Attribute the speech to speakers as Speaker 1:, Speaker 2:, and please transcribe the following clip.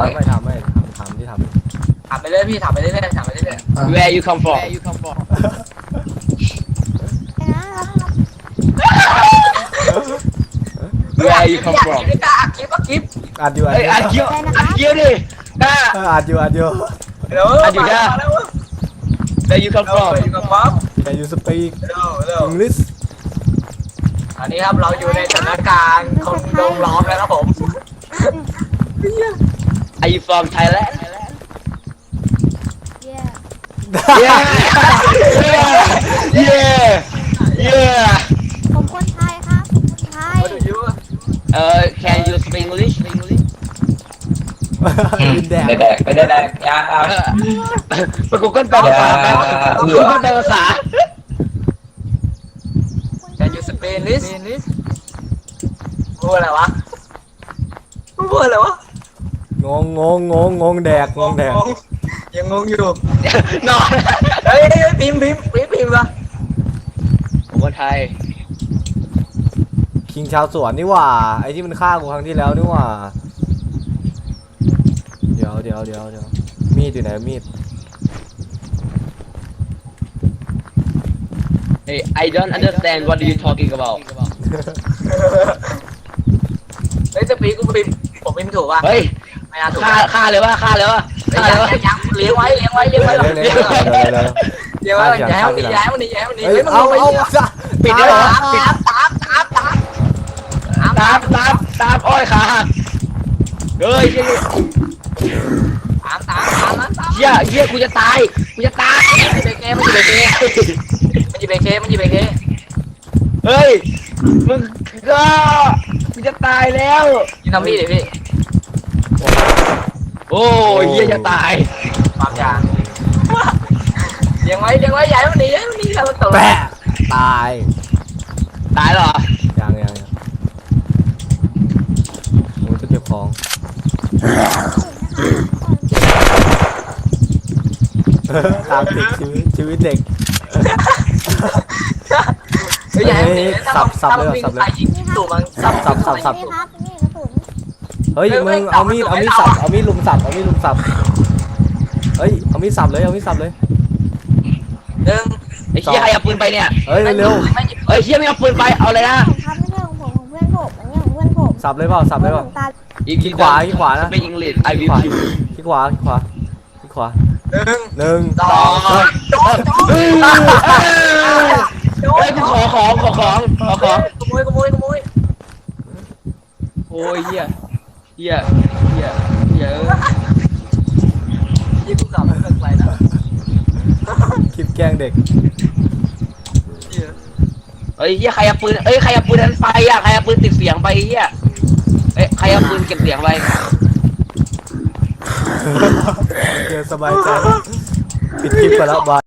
Speaker 1: ไม่ทำที่ทำ
Speaker 2: ถามไปเรื่อยพี่ถามไปเรื่อยถามไปเรื่อย
Speaker 3: Where you come from Where you come from
Speaker 2: ไม่กล้าคลิปคลิป
Speaker 1: อัดอยู่
Speaker 3: เฮ้ยอัดเกี้ยวดิกล้า
Speaker 1: อัดอยู่
Speaker 2: เดี๋ยว
Speaker 3: Where you come from
Speaker 2: อยู่กับป๊อป
Speaker 1: Can you speak
Speaker 2: เร็ว
Speaker 1: English
Speaker 2: อันนี้ครับเราอยู่ในสถานการณ์คนโดนล้อมแล้วครับผม
Speaker 3: Are you from Thailand
Speaker 4: Yeah
Speaker 3: Yeah Yeah Yeah
Speaker 4: ผมคนไทยครับผมคนไทย
Speaker 2: มาดูยู
Speaker 3: Can you speak English
Speaker 1: ดินแดง
Speaker 5: ไม่ได้ยาครับ
Speaker 3: ไปกูเกิลแปลภาษาไปกูเกิลแปลภาษา
Speaker 2: Can you speak English พูดอะไรวะพูดอะไรวะ
Speaker 1: งงแดก
Speaker 2: ยังงงอยู่
Speaker 3: นอน
Speaker 2: เฮ้ยพิมพ์วะ
Speaker 3: ผมคนไทย
Speaker 1: คิงชาวสวนนี่หว่าไอ้ที่มันฆ่ากูครั้งที่แล้วนี่หว่าเดี๋ยวมีดอยู่ไหนมีด
Speaker 3: Hey I don't understand what are you talking about
Speaker 2: เฮ้ยจะปีกูพิมพ์ผมพิมพ์ถูกป่ะ
Speaker 3: เฮ้ย
Speaker 2: ไม่น่าถูก
Speaker 3: ฆ่าเลยวะ
Speaker 2: ยังเลี้ยงไว้เลี้ยงไว้
Speaker 1: เร็ว
Speaker 2: อย่าให้มันหนี
Speaker 1: เฮ้ยเอา
Speaker 3: ปิดได้เหรอปิด ตามอ้อยขาหักเฮ้ยเหี้ยกูจะตาย
Speaker 2: มันจีเบเค
Speaker 3: เฮ้ยมึงก็กูจะตายแล้ว
Speaker 2: ยิงทำพี่ดิพี่
Speaker 3: โอ้ยเหี้ยจะตาย
Speaker 2: ความยาเลี้ยงไว้อย่าให้มันหนีแล้วมันตก
Speaker 1: แปะตาย
Speaker 3: ตายเหรอ
Speaker 1: ยังโอ้ยจะเก็บของตามติดชีวิตเด็ก
Speaker 2: อย่าให้มันหนีตู่มันสับ
Speaker 4: นี่ครับนี่กระสุน
Speaker 1: เฮ้ยมึงเอามีดสับเอามีดลุมสับเฮ้ยเอามีดสับเลย
Speaker 2: หนึ่ง
Speaker 3: ไอ้เหี้ยใครเอาปืนไปเนี่ย
Speaker 1: เฮ้ยเร็ว
Speaker 3: เฮ้ยเหี้ยไม่เอาปืนไปเอาเลยนะ
Speaker 4: ผมครับไม่ใช่ของผมของเพื่อนผมอันนี้ของเพื่อนผม
Speaker 1: สับเลยเปล่า
Speaker 4: ตา
Speaker 1: ขี้ขวานะ
Speaker 3: เป็นอังกฤษ I
Speaker 1: ขี้
Speaker 3: will
Speaker 1: ขวา
Speaker 3: you
Speaker 1: ขี้ขวา
Speaker 2: หนึ่ง
Speaker 1: 1
Speaker 2: สอง
Speaker 3: เฮ้ยกูขอของ
Speaker 2: ขโมย
Speaker 3: โอ้ยเหี้ย
Speaker 2: ยี่กูกลับไปเลิกไปนะ
Speaker 1: คลิปแกล้งเด็ก
Speaker 3: เฮ้ยเหี้ยใครเอาปืนใครเอาปืนนั้นไปอ่ะใครเอาปืนติดเสียงไปเหี้ยใครเอาปืนเก็บเสียงไป
Speaker 1: เจอสบายใจปิดคลิปไปแล้วบาย